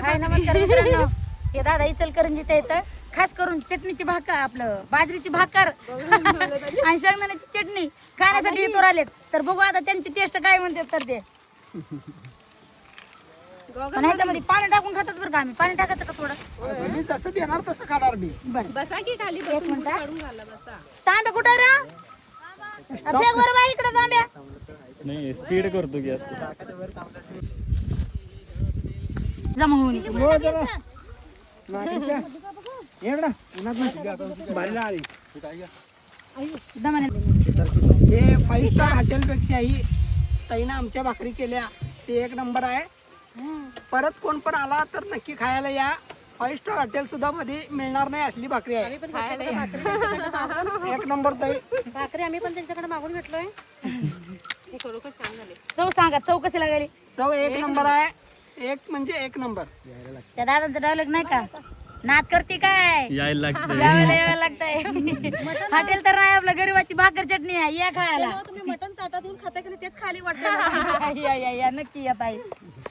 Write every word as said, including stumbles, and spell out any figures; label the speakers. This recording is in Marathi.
Speaker 1: हाय नमस्कार मित्रांनो, हे दादा इचलकरंजीत येतं. खास करून चटणीची भाकर, आपलं बाजरीची भाकर आणि शेंगदाण्याची चटणी खाण्यासाठी इथवर आलेत. तर बघू आता त्यांची टेस्ट काय म्हणतात. तर ते पण ह्याच्यामध्ये पाणी टाकून खातात बरं का. आम्ही पाणी टाकायचं का थोडं?
Speaker 2: मी जसं देणार तसं खाणार मी.
Speaker 1: बरं
Speaker 3: बसा की खाली
Speaker 1: एक
Speaker 3: बसून
Speaker 1: मिनिट.
Speaker 3: काढून घाला बसा.
Speaker 1: तांब्या कुठे रे? फेक बरं बाई इकडे तांब्या.
Speaker 4: नाही स्पीड करतो की
Speaker 1: जमा होऊन दमाने.
Speaker 2: हे फाईव्ह स्टार हॉटेल पेक्षाही ताईनं आमच्या भाकरी केल्या ते एक नंबर आहे. परत कोण पण आला तर नक्की खायला या. फाईव्ह स्टार हॉटेल सुद्धा मध्ये मिळणार नाही असली भाकरी आहे. एक नंबर ताई
Speaker 3: भाकरी आम्ही पण त्यांच्याकडे मागून घेतलोय. हे खरोखर छान झाले.
Speaker 1: चव सांगा, चव कशी लागली?
Speaker 2: चव एक नंबर आहे. एक म्हणजे एक नंबर.
Speaker 1: त्या दादांचा डायलॉग नाही का, नाद करते काय
Speaker 4: यायला लागतं.
Speaker 1: यायला यायला लागतंय. हॉटेल तर नाही, आपलं गरीबाची भाकर चटणी आहे, या खायला.
Speaker 3: तुम्ही मटण ताटातून खाता की नाही तेच खाली वाटतं.
Speaker 1: या या या नक्की येत आहे.